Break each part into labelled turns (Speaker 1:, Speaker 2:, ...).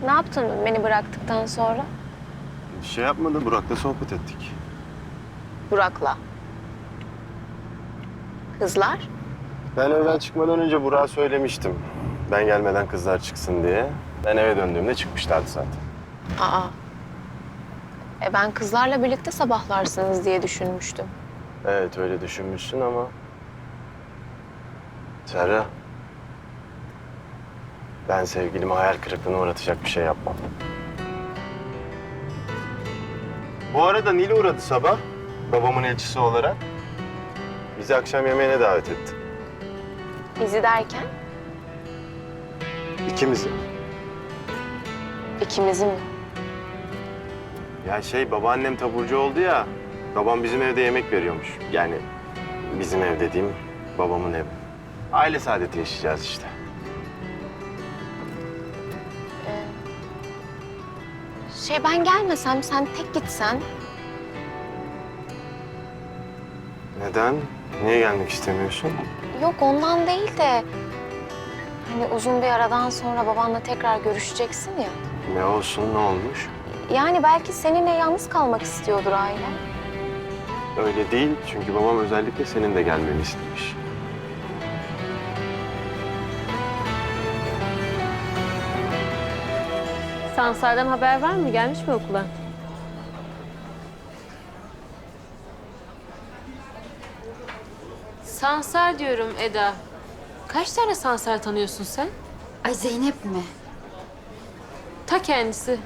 Speaker 1: Ne yaptın beni bıraktıktan sonra?
Speaker 2: Bir şey yapmadı, Burak'la sohbet ettik.
Speaker 1: Burak'la. Kızlar?
Speaker 2: Ben evden çıkmadan önce Burak'a söylemiştim. Ben gelmeden kızlar çıksın diye. Ben eve döndüğümde çıkmışlardı zaten.
Speaker 1: Aa. Ben kızlarla birlikte sabahlarsınız diye düşünmüştüm.
Speaker 2: Evet, öyle düşünmüşsün ama... Serra... Ben sevgilime hayal kırıklığına uğratacak bir şey yapmam. Bu arada Nil uğradı sabah, babamın elçisi olarak. Bizi akşam yemeğine davet etti.
Speaker 1: Bizi derken
Speaker 2: İkimizi.
Speaker 1: ikimizi mi?
Speaker 2: Ya babaannem taburcu oldu ya, babam bizim evde yemek veriyormuş. Yani bizim ev dediğim babamın evi. Aile saadeti yaşayacağız işte.
Speaker 1: Ben gelmesem, sen tek gitsen.
Speaker 2: Neden? Niye gelmek istemiyorsun?
Speaker 1: Yok ondan değil de... Hani uzun bir aradan sonra babanla tekrar görüşeceksin ya.
Speaker 2: Ne olsun, ne olmuş?
Speaker 1: Yani belki seninle yalnız kalmak istiyordur aile.
Speaker 2: Öyle değil, çünkü babam özellikle senin de gelmeni istemiş.
Speaker 3: Sansar'dan haber var mı? Gelmiş mi okula? Sansar diyorum Eda. Kaç tane Sansar tanıyorsun sen?
Speaker 4: Ay Zeynep mi?
Speaker 3: Ta kendisi.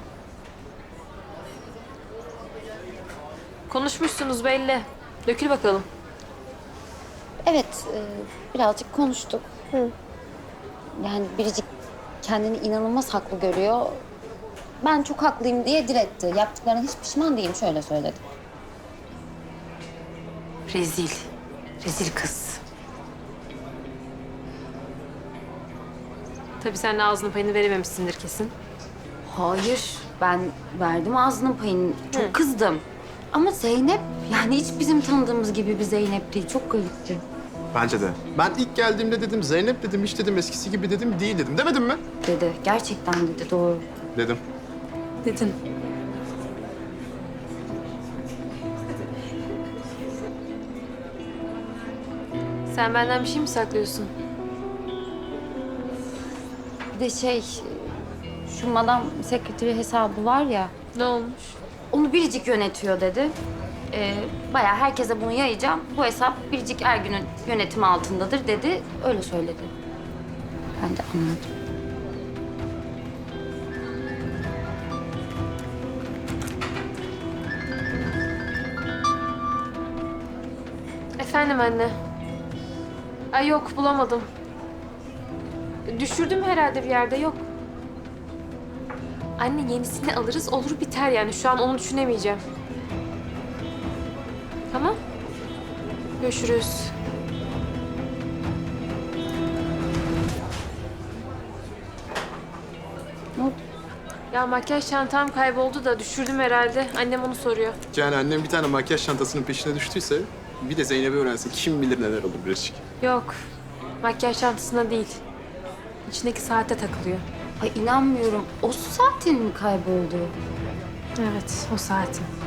Speaker 3: Konuşmuşsunuz belli. Dökül bakalım.
Speaker 4: Evet, birazcık konuştuk. Yani Biricik kendini inanılmaz haklı görüyor. Ben çok haklıyım diye diretti. Yaptıklarına hiç pişman değilim, şöyle söyledi.
Speaker 3: Rezil. Rezil kız. Tabii sen de ağzının payını verememişsindir kesin.
Speaker 4: Hayır, ben verdim ağzının payını. Çok kızdım. Ama Zeynep, yani hiç bizim tanıdığımız gibi bir Zeynep değil. Çok garipti.
Speaker 5: Bence de. Ben ilk geldiğimde dedim Zeynep dedim, hiç dedim eskisi gibi dedim değil dedim. Demedim mi?
Speaker 4: Dedi, gerçekten dedi, doğru.
Speaker 5: Dedim.
Speaker 3: Dedin. Sen benden bir şey mi saklıyorsun?
Speaker 4: Bir de şu madam sekreteri hesabı var ya,
Speaker 3: Ne olmuş?
Speaker 4: onu Biricik yönetiyor dedi. Bayağı herkese bunu yayacağım. Bu hesap Biricik Ergün'ün yönetimi altındadır dedi. Öyle söyledi. Ben de anladım.
Speaker 3: Efendim anne. Ay yok bulamadım. Düşürdüm herhalde bir yerde yok. Anne yenisini alırız olur biter yani şu an onu düşünemeyeceğim. Tamam. Görüşürüz.
Speaker 4: Ne oldu?
Speaker 3: Ya makyaj çantam kayboldu da düşürdüm herhalde. Annem onu soruyor.
Speaker 5: Yani annem bir tane makyaj çantasının peşine düştüyse bir de Zeynep'i öğrense kim bilir neler olur Biricik.
Speaker 3: Yok. Makyaj çantasında değil. İçindeki saate takılıyor.
Speaker 4: Ay inanmıyorum. O saatin mi kayboldu?
Speaker 3: Evet o saatin.